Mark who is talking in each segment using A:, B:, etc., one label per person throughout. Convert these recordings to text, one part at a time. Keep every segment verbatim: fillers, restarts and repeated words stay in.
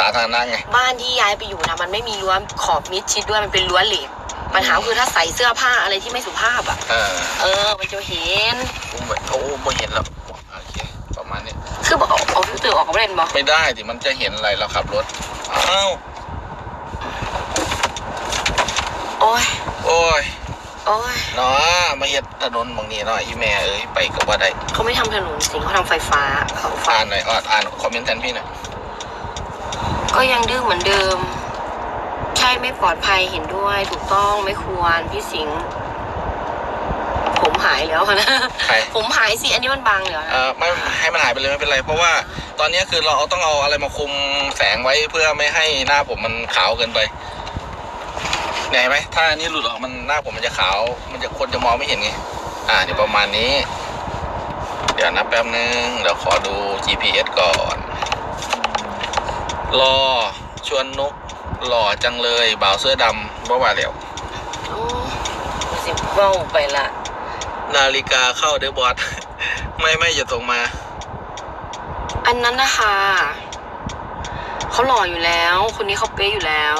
A: ทางนั่งไง
B: บ้านที่ย้ายไปอยู่นะมันไม่มีรั้วขอบมิดชิดด้วยมันเป็นรั้วเหล็กปัญหาคือถ้าใส่เสื้อผ้าอะไรที่ไม่สุภาพอ่ะเออเออมันจะเห็น
A: โอ้ไม่เห็นแล้วโอเคประมาณนี้
B: คือบอกเอาฟิลเตอร์ออกก็ไม่ได้มั้ย
A: ไม่ได้ดิมันจะเห็นอะไรเราขับรถอ้าว
B: โอ้ย
A: โอ้ย
B: โอ้ย
A: เนาะมาเฮ็ดถนนบางนี้เนาะอีแม่เอ้ยไปกับว่าได้
B: เขาไม่ทำถนนสิเขาทำไฟฟ้าเขา
A: อ่านหน่อยอ่านคอมเมนต์แทนพี่หน่อย
B: ก็ยังดื้อเหมือนเดิมใช่ไม่ปลอดภัยเห็นด้วยถูกต้องไม่ควรพี่สิงห์ผมหายแล้วนะผมหายสิอันนี้มันบางเหรอ
A: เออไม่ให้มันหายไปเลยไม่เป็นไรเพราะว่าตอนนี้คือเราต้องเอาอะไรมาคุมแสงไว้เพื่อไม่ให้หน้าผมมันขาวเกินไปเห็นไหมถ้าอันนี้หลุดออกมันหน้าผมมันจะขาวมันจะคนจะมองไม่เห็นไงอ่าเดี๋ยวประมาณนี้เดี๋ยวนับแป๊บนึงเดี๋ยวขอดู จี พี เอส ก่อนรอชวนนุกหล่อจังเลยบ่าวเสื้อดำบ่ว่าแล้ว
B: สิบเบ้าไปละ
A: นาฬิกาเข้าเดบอสไม่ไม่อย่าตรงมา
B: อันนั้นนะคะเขาหล่ออยู่แล้วคนนี้เขาเป๊ะอยู่แล้ว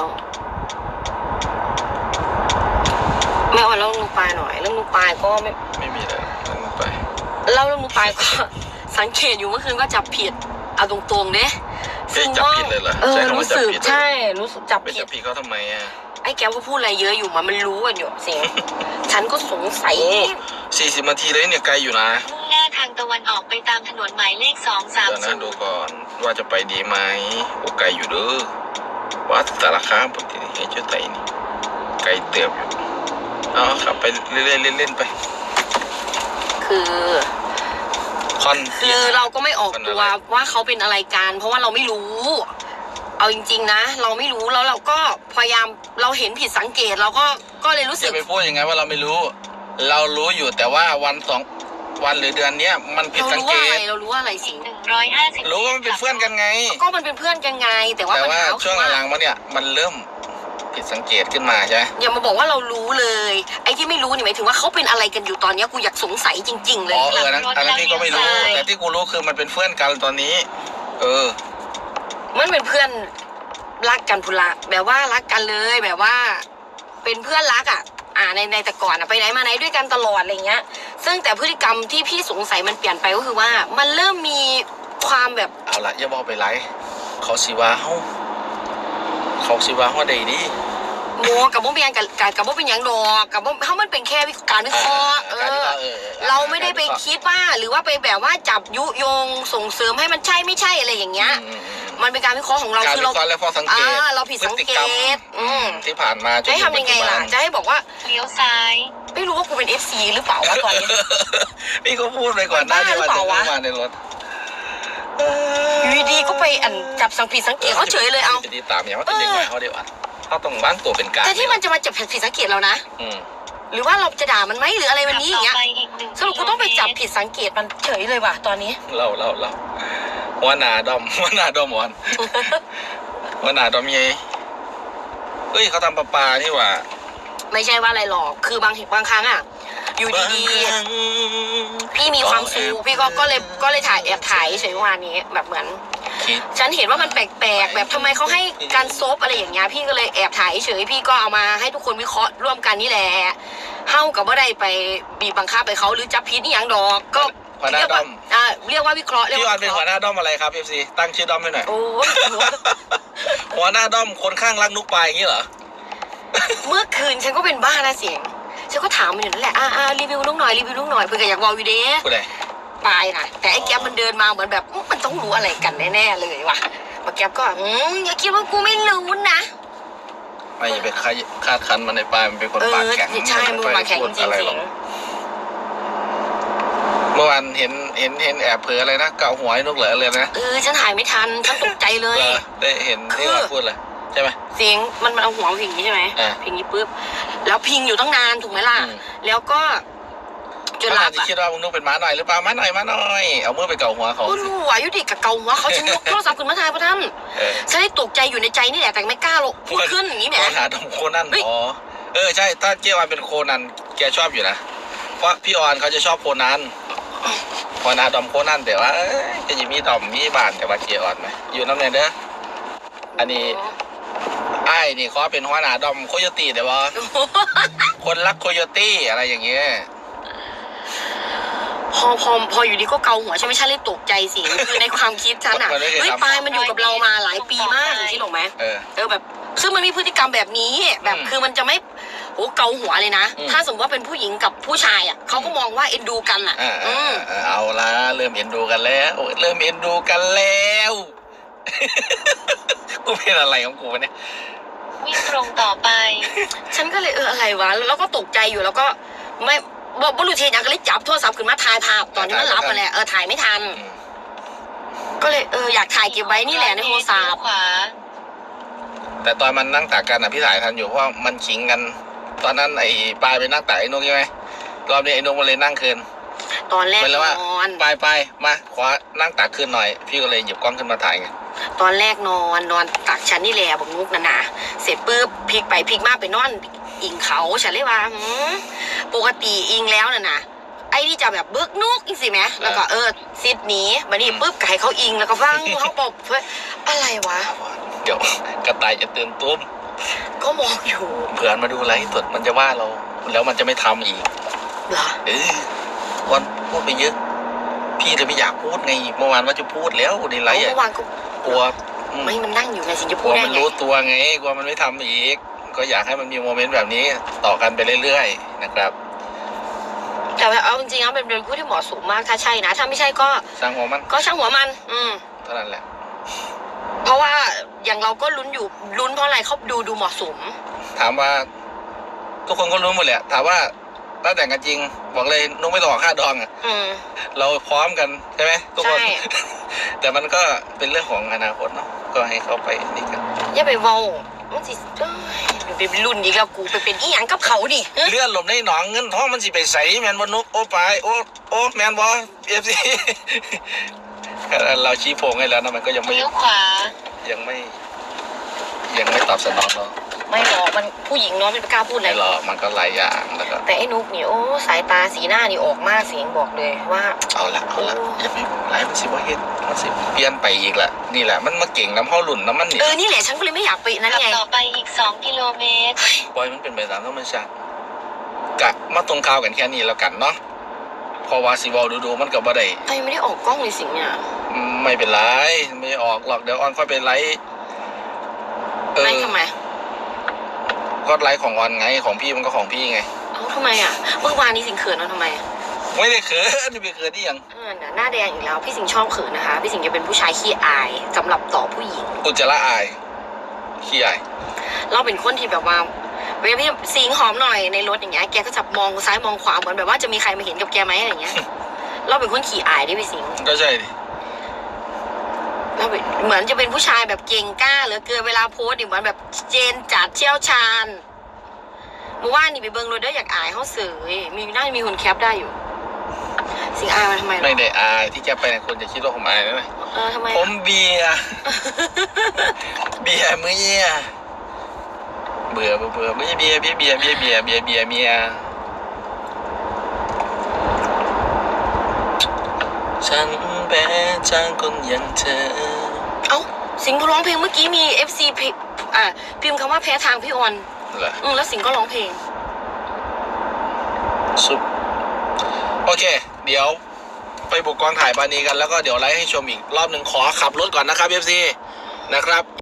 B: ไม่เอาเล่าเรื่องลูกปลายหน่อยเรื่องลูกปลายก็ไม่
A: ไม่มีเลยเรื่องลูกปลาย
B: เล่าเรื่องลูกปลายก็สังเกตอยู่เมื่อคืนก็จับผิดเอาตรงๆเด้
A: จับผิดเลยเหรอ
B: เออรู้สึกใช่รู้สึกจับ
A: ผิดจับผิดเขาทำไมอ่ะ
B: ไอ้แก้วเขาพูดอะไรเยอะอยู่มามันรู้กันอยู่สิฉันก็สงสัย
A: สี่สิบนาทีเลยเนี่ยไกลอยู่นะ
C: มุ่งหน้าทางตะวันออกไปตามถนนหมายเลขสองสาม
A: ศูนย์ดูก่อนว่าจะไปดีไหมโอ้ไกลอยู่เด้อวัดสารคามปกติเฮ้ยเจ้าไต่นี่ไกลเติบอยู่เอาขับไปเรื่อยๆเล่นๆไป
B: คือ
A: คอน
B: คือเราก็ไม่ออกตัวว่าเขาเป็นอะไรกันเพราะว่าเราไม่รู้เอาจริงๆนะเราไม่รู้แล้วเราก็พยายามเราเห็นผิดสังเกตเราก็ก็เลยรู้สึก
A: อย่าไปพูดอย่างไงว่าเราไม่รู้เรารู้อยู่แต่ว่าวันสองวันหรือเดือนนี้มันผิดสังเกต
B: เรารู้ว่าอะไรสิ
C: หนึ่งร้อยห้าสิบ
A: รู้ว่ามันเป็นเพื่อนกันไง
B: ก็มันเป็นเพื่อนกันไงแต่ว่า
A: แต่ว่าช่วงหลังๆมาเนี่ยมันเริ่มผิดสังเกตขึ้นมาใช่ไหม
B: อย่ามาบอกว่าเรารู้เลยไอ้ที่ไม่รู้นี่หมายถึงว่าเขาเป็นอะไรกันอยู่ตอนนี้กูอยากสงสัยจริงๆเลย
A: อ๋อเออนั้นอันนั้นพี่ก็ไม่รู้แต่ที่กูรู้คือมันเป็นเพื่อนกันตอนนี้เออ
B: มันเป็นเพื่อนรักกันพุละแบบว่ารักกันเลยแบบว่าเป็นเพื่อนรักอ่ะอ่าในในแต่ก่อนอ่ะไปไหนมาไหนด้วยกันตลอดอะไรเงี้ยซึ่งแต่พฤติกรรมที่พี่สงสัยมันเปลี่ยนไปก็คือว่ามันเริ่มมีความแบบ
A: เอาละอย่าบอกไปไรเขาสิว่าเขาเขาสิว่าเขาได้ดี
B: โมกับโมเป็นยังกับกับโมเป็นยังดอกกับโมเขามันเป็นแค่การวิเคราะห์เออเราไม่ได้ไปคิดว่าหรือว่าไปแบบว่าจับยุยงส่งเสริมให้มันใช่ไม่ใช่อะไรอย่างเงี้ยมันเป็นการวิเคราะห์ของเรา
A: คือเราอ่า
B: เราผิดสังเกต
A: ที่ผ่านมา
B: จะให้ทำยังไงล่ะจะให้บอกว่า
C: เลี้ยวซ้าย
B: ไม่รู้ว่ากูเป็น เอฟ ซี หรือเปล่าวะตอนนี้
A: พี่ก็พูดไปก่อนหน้าที่ว่าจะมาในรถ
B: อยู่ดีๆก็ไปอันจับสังผิดสังเกตเขาเฉยเลยเอา
A: จะดีตามอย่างว่าจะเด็กใหม่เขาเดี๋ยวอ่ะเขาต้องบ้างตัวเป็นการ
B: แต่ที่มันจะมาจับผิดสังเกตเรานะหรือว่าเราจะด่ามันไหมหรืออะไรวันนี้อย่างเงี้ยสรุปกูต้องไปจับผิดสังเกตมันเฉยเลยว่ะตอนนี้
A: เราเราเราว่านาดอมว่านาดอมอ่อนว่านาดอมยัยเฮ้ยเขาทำปลาปลานี่ว่า
B: ไม่ใช่ว่าอะไรหรอกคือบางบางครั้งอ่ะอยู่ดีๆพี่มีความสูพี่ก็ก็เลยก็เลยถ่ายแอบถ่ายเฉยๆวันนี้แบบเหมือนฉันเห็นว่ามันแปลกๆแบบทำไมเขาให้การซบอะไรอย่างเงี้ยพี่ก็เลยแอบถ่ายเฉยพี่ก็เอามาให้ทุกคนวิเคราะห์ร่วมกันนี่แหละเฮ้ากับว่าได้ไปบีบบังคับไปเขาหรือจับพิษนี่อย่างดอกก็
A: หัวหน้าด้อม
B: อ่าเรียกว่าวิเคราะห์
A: พี่ออนเป็นหัวหน้าด้อมอะไรครับเอฟซีตั้งชื่อด้อมให้หน่อย
B: โอ้
A: หัวหน้าด้อมคนข้างรักนุกปลายอย่างนี้เหรอ
B: เมื่อคืนฉันก็เป็นบ้านะเสียงฉันก็ถามมันอยู่นั่นแหละอ่าอ่ารีวิวลูกหน่อยรีวิวลูกหน่อยเพื่ออยากวอลวิดีโอปลายนะแต่ไอ้แก๊ปมันเดินมาเหมือนแบบมันต้องรู้อะไรกันแน่ๆเลยว่ะมาแก๊ปก็อืมอย่าคิดว่ากูไม่รู้นะ
A: ไม่อย่าไปคาดคันมันในปลายมันเป็นคนปากแข็ง
B: ใช่มือปากแข็งจริง
A: เมื่อวานเห็นเห็นเห็นแอบเผลออะไรนะเกาหัวให้นกเหลือเลยนะ
B: เออฉันถ่ายไม่ทันฉันตกใจเลย
A: ได้เห็นที่ว่าพูดเลยใช่ไหม
B: เสียงมันมันเอาหัวพิงนี้ใช่ไหมพิงนี้ปุ๊บแล้วพิงอยู่ตั้งนานถูกไหมล่ะแล้วก็
A: จนหลับอ่ะคิดว่ามึงนุกเป็นม้าหน่อยหรือเปล่าม้าหน่อยม้าหน่อยเอามือไปเกาหัวเขา
B: ก็รู้ว่ายุติกับเกาหัวเขาฉันยกโทรศัพท์ขึ้นมาถ่ายพระท่านฉันได้ตกใจอยู่ในใจนี่แหละแต่ไม่กล้าลงพูดขึ้นอย่างนี้แหม
A: หาดมโคนันอ๋อเออใช่ถ้าเจ้าวันเป็นโคนันแกชอบอยู่นะเพราะพี่ออนเขาจะชอบโคนันพอนาดอมโคนันแต่ว่าจะมีดอมมีบานแต่ว่าเจ้าออนไหมอยู่น้ำเนเด้ออันนี้ไอ้นี่ขอเป็นหัวหน้าดอมโคโยตี้ได้บ่คนรักโคโยตี้อะไรอย่างเงี้ย
B: พอพอพออยู่ดีก็เกาหัวใช่ไหมฉันเลยตกใจสิคือในความคิดฉันอ่ะ
A: มันไม่เคย
B: เฮ้ย
A: ทำ
B: ปายมันอยู่กับเรามาหลายปีมากคิดหรอกไหม
A: เออ
B: เออแบบ ซึ่งมันมีพฤติกรรมแบบนี้แบบ
A: อืม
B: คือมันจะไม่โอ้เกาหัวเลยนะ
A: อืม
B: ถ้าสมมติว่าเป็นผู้หญิงกับผู้ชายอ่ะเขาก็มองว่าเอ็นดูกันอ่ะ
A: อ่า
B: อืม
A: อ่าเอาละเริ่มเอ็นดูกันแล้วเริ่มเอ็นดูกันแล้ว กูเป็นอะไรของกูวะเนี่ย
C: วิ่งตรงต่อไป
B: ฉันก็เลยเอออะไรวะแล้วก็ตกใจอยู่แล้วก็ไม่บอกบรูเทียนก็เลยจับโทรศัพท์ขึ้นมาถ่ายภาพตอนนี้มันรับมาแหละเออถ่ายไม่ทัน
A: อืม
B: ก็เลยเอออยากถ่ายเก็บไว้นี่แหละในโทรศัพท์
C: ขวา
A: แต่ตอนมันนั่งตากกันอ่ะพี่ถ่ายทันอยู่เพราะมันขิงกัน ตอนนั้นไอ้ปลายไปนั่งตากไอ้นกใช่ไหมรอบนี้ไอ้นกมันเลยนั่งคืน
B: ตอนแรก
A: เป็นแล้วว่าน
B: อน
A: ปลายไปมาขอนั่งตากคืนหน่อย พี่ก็เลยหยิบกล้องขึ้นมาถ่ายไง
B: ตอนแรกนอนนอนตักฉันนี่แหละบอกนุกนะนะเสร็จปุ๊บพลิกไปพลิกมาไปนอนอิงเขาฉันเลยว่าหืมปกติอิงแล้วน่ะนะไอ้นี่จะแบบเบิกนุกอีกสิไหมแล้วก็เออซิดหนีมานี่ปุ๊บไก่เขาอิงแล้วก็ว่างเขาปบเพื่ออะไรวะ
A: เดี๋ยวกระต่ายจะตื่นตุ้ม
B: ก็มองอยู่
A: เผื่อมาดูไลฟ์สดมันจะว่าเรา แล้วมันจะไม่ทำอีก
B: เหรอ
A: เออวันพูดไปเยอะ พี่เลยไม่อยากพูดไงเมื่อวานว่าจะพูดแล้วในไลฟ์
B: เมื่
A: อ่ะ
B: อวานก็
A: กลัวอืม
B: ไม่มันนั่งอยู่ไงสิจะ
A: ก
B: พู
A: ลั
B: ด
A: ว
B: ได้
A: มัน
B: ไง
A: รู้ตัวไงกลัวมันไม่ทำอีก ก็อยากให้มันมีโมเมนต์แบบนี้ต่อกันไปเรื่อยๆนะครับ
B: แต่ว่าเอาจริงๆแล้วเป็นเป็นผู้ที่เหมาะสมมากถ้าใช่นะถ้าไม่ใช่ก็
A: สร้างหัวมัน
B: ก็ช่างหัวมัน อืม
A: เท่านั้นแหละ
B: เพราะว่าอย่างเราก็ลุ้นอยู่ลุ้นเพราะอะไรเขาดูดูเหมาะสม
A: ถามว่า ทุกคนก็รู้หมดแหละถามว่าถ้าแต่งกันจริง บอกเลยนุ๊กไม่ต้องออกค่าดองอ่ะ
B: อืม
A: เราพร้อมกันใช่ไหมทุกคน
B: ใช่
A: แต่มันก็เป็นเรื่องของอนาคตเนาะก็ให้เขาไปนี่กัน
B: อย่าไปเว้ามันสิเอ้ยไปเป็นรุ่นอีกแล้วกูไปเป็นอีหยังกับเขาดิฮะ
A: เลื่อนหลบในหนองเงินทองมันสิไปใสแมนบนุกโอ้ไปโอ้โอ้แมนบอเอฟซี เราชี้โพงให้แล้วนะมันก็ยังไม่
C: เลี้ยวขวา
A: ยังไม่ ยังไม่ตอบสนองเรา
B: ไม่หรอกมันผู้หญิงเนาะไม่กล้าพูดอะไร
A: ไม่หรอกมันก็หลายอย่างแล้วก็
B: แต่ไอ้นุกนี่โอ้สายตาสีหน้านี่ออกมากเสียงบอกเลยว่า
A: เอาละเอาละอย่าไปไล่มันสิว่าเฮ็ดมันสิเปลี่ยนไปอีกละนี่แหละมันมาเก่งน้ำเข้าหลุ่นน้ำมันนี่
B: เออนี่แหละฉันก็เลยไม่อยากไปนั่น
C: ขับ
B: ไง
C: ต่อไปอีกสองกิโลเมตร
A: ปล่อยมันเป็นไปตามธรรมชาติกะมาตรงข่าวกันแค่นี้แล้วกันเนาะเพราะว่าสิเวอลดูๆมันกับบ่ได้
B: ไอ้ไม่ได้ออกกล้องเลยสิงเนี่ย
A: ไม่เป็นไรไม่ออกหรอกเดี๋ยวออนค่อยไปไลฟ์เอ
B: ไม่
A: อ
B: ทำไม
A: ก็ไลฟ์ของออนไงของพี่มันก็ของพี่ไง
B: เอ้าทำไมอ่ะเมื่อวานนี้สิงเขินเอาทำไมอะ
A: ไม่ได้เขินจะไปเขินที่ยัง
B: เออหน้าแดงอีกแล้วพี่สิงชอบเขินนะคะ พี่สิงจะเป็นผู้ชายขี้อายสำหรับต่อผู้หญิง
A: อุจจาระอายขี้อาย
B: เราเป็นคนที่แบบว่าเวลาพี่สิงหอมหน่อยในรถอย่างเงี้ยแกก็จะมองซ้ายมองขวาเหมือนแบบว่าจะมีใครมาเห็นกับแกไหมอะไรเงี้ย เราเป็นคนขี้อายดิพี่สิง
A: ก็ใช่ดิ
B: เราเป็นเหมือนจะเป็นผู้ชายแบบเก่งกล้าเหลือเกินเวลาโพสต์นี่เหมือนแบบเจนจัดเชี่ยวชาญเมื่อวานนี่ไปเบิ้งรถได้อยากอายเขาเสยมีน่าจะมีคนแคปได้อยู่ สิงอายมาทำไมหรอ
A: ไม่ได้อายที่จะไปไหนคนจะคิดว่าผมอายนะ
B: เออทำไม
A: ผ
B: อะ
A: มเบียร์ เบียร์มื้อเยี่ยเบื่อเบื่อเบื่อไม่ใช่เบียร์เบียร์เบียร์เบียร์เบียร์เบียร์เบียร์เมียฉันเป็นจางคนอย่างเธอ
B: เอ้าสิงก็ร้องเพลงเมื่อกี้มีเอฟซีอ่าพิมพ์คำว่าแพ้ทางพี่ออน
A: เหรอ
B: อืมแล้วสิงก็ร้องเพลง
A: สุดโอเค เดี๋ยวไปบุกกองถ่ายปานีกันแล้วก็เดี๋ยวไลฟ์ให้ชมอีกรอบหนึ่งขอขับรถก่อนนะครับ เอฟ ซี นะครับ